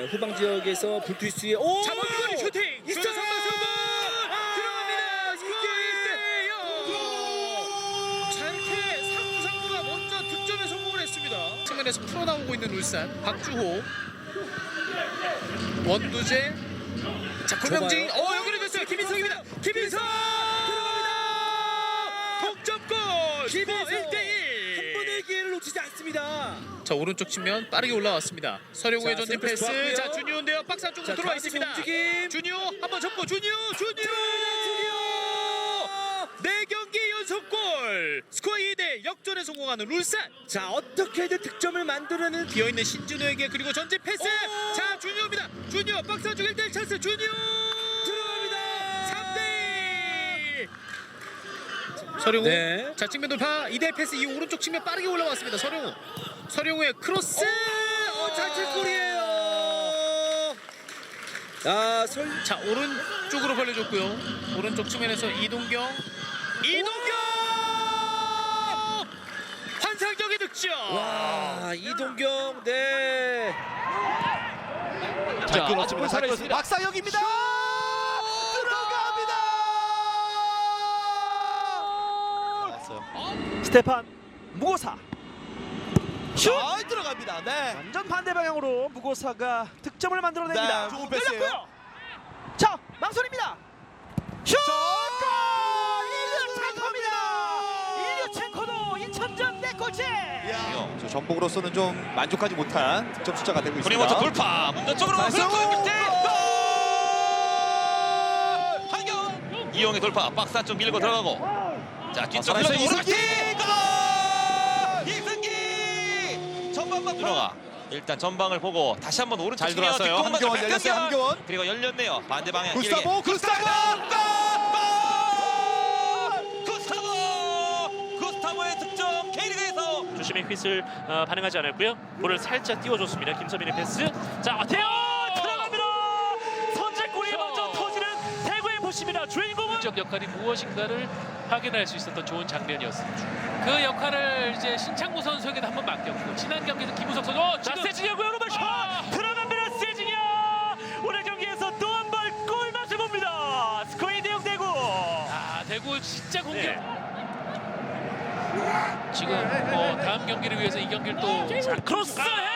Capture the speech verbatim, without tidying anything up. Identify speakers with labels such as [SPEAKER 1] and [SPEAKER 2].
[SPEAKER 1] 후방 지역에서 불투수의 오!
[SPEAKER 2] 잡아주고 슈팅!
[SPEAKER 1] 있어요!
[SPEAKER 2] 선방 성공! 들어갑니다! 이게! 자, 이렇게 상상보다 먼저 득점에 성공을 했습니다. 측면에서 풀어나오고 있는 울산 박주호 원두재 자 고명진
[SPEAKER 1] 좁아요.
[SPEAKER 2] 어 여기를 됐어요. 김인성입니다. 김인성 들어갑니다. 동점골
[SPEAKER 1] 김인성!
[SPEAKER 2] 일 대 일.
[SPEAKER 1] 한 번의 기회를 놓치지 않습니다.
[SPEAKER 2] 자 오른쪽 측면 빠르게 올라왔습니다. 서령우의
[SPEAKER 1] 자,
[SPEAKER 2] 전진
[SPEAKER 1] 센터
[SPEAKER 2] 패스.
[SPEAKER 1] 좋았고요.
[SPEAKER 2] 자 준유인데요. 박스 안쪽으로
[SPEAKER 1] 자,
[SPEAKER 2] 들어와
[SPEAKER 1] 가운데서
[SPEAKER 2] 있습니다.
[SPEAKER 1] 움직임.
[SPEAKER 2] 준유 한번 접고 준유 준유 네 경기 연속골 스코어 이 대 역전에 성공하는 울산.
[SPEAKER 1] 자, 어떻게든 득점을 만들어내는
[SPEAKER 2] 비어있는 신준호에게 그리고 전진 패스.
[SPEAKER 1] 오!
[SPEAKER 2] 자 준유입니다. 준유 박스 안쪽 일 대 일 찬스 준유
[SPEAKER 1] 들어갑니다.
[SPEAKER 2] 삼 대 일. 서령우
[SPEAKER 1] 네.
[SPEAKER 2] 자 측면 돌파 이 대 일 패스 이 오른쪽 측면 빠르게 올라왔습니다. 서령우 서령우의 크로스
[SPEAKER 1] 어, 자책골이에요. 아, 설
[SPEAKER 2] 자 오른쪽으로 벌려줬고요. 오른쪽 측면에서 이동경 이동경 환상적인 득점.
[SPEAKER 1] 와, 이동경 네.
[SPEAKER 3] 잘 끊었습니다. 잘 끊었습니다. 박상혁입니다. 들어갑니다.
[SPEAKER 4] 스테판 무고사 슛!
[SPEAKER 3] 잘 들어갑니다. 네.
[SPEAKER 4] 완전 반대 방향으로 무고사가 득점을 만들어냅니다.
[SPEAKER 3] 네, 좋은 패스예요.
[SPEAKER 4] 열렸고요. 자, 망설입니다. 슛! 골! 일류 첸코입니다. 일류 첸코도 인천전 대골제.
[SPEAKER 3] 야, 저 전북으로서는 좀 만족하지 못한 득점 숫자가 되고 있습니다.
[SPEAKER 5] 브리모트 돌파 문전 쪽으로
[SPEAKER 3] 나이스.
[SPEAKER 5] 흘러가고 밑에
[SPEAKER 3] 골!
[SPEAKER 5] 한경 이용의 돌파 박스 안쪽 밀고 들어가고 자 뒤쪽
[SPEAKER 3] 살아있어,
[SPEAKER 5] 흘러서
[SPEAKER 3] 이승기!
[SPEAKER 5] 오른쪽 이승기 전방만 들어가 일단 전방을 보고 다시 한번 오른쪽
[SPEAKER 3] 잘 들어왔어요.
[SPEAKER 5] 측면
[SPEAKER 3] 함경원
[SPEAKER 5] 뒷공간을
[SPEAKER 3] 열렸어요.
[SPEAKER 5] 백강경.
[SPEAKER 3] 함경원.
[SPEAKER 5] 그리고 열렸네요 반대 방향
[SPEAKER 3] 구스타보, 구스타보!
[SPEAKER 5] 길게. 구스타보 구스타보의 득점 K리그에서
[SPEAKER 6] 주심의 휘슬 어, 반응하지 않았고요. 볼을 살짝 띄워줬습니다. 김서민의 패스. 자, 태연 들어갑니다. 선제골이 먼저 터지는 대구의 보십니다. 주인공은
[SPEAKER 7] 적 역할이 무엇인가를 확인할 수 있었던 좋은 장면이었습니다. 그 역할을 이제 신창무 선수에게도 한번 맡겼고 지난 경기에서 김우석 선수 어,
[SPEAKER 6] 자,
[SPEAKER 7] 지금
[SPEAKER 6] 세징야고요. 오른발 슛
[SPEAKER 7] 아!
[SPEAKER 6] 들어갑니다. 세징야 오늘 경기에서 또 한 번 골맛을 봅니다. 스코어 이 대 영 대구.
[SPEAKER 7] 아, 대구 진짜 공격.
[SPEAKER 6] 네.
[SPEAKER 7] 지금 어, 다음 경기를 위해서 이 경기를 또
[SPEAKER 6] 자, 크로스 헤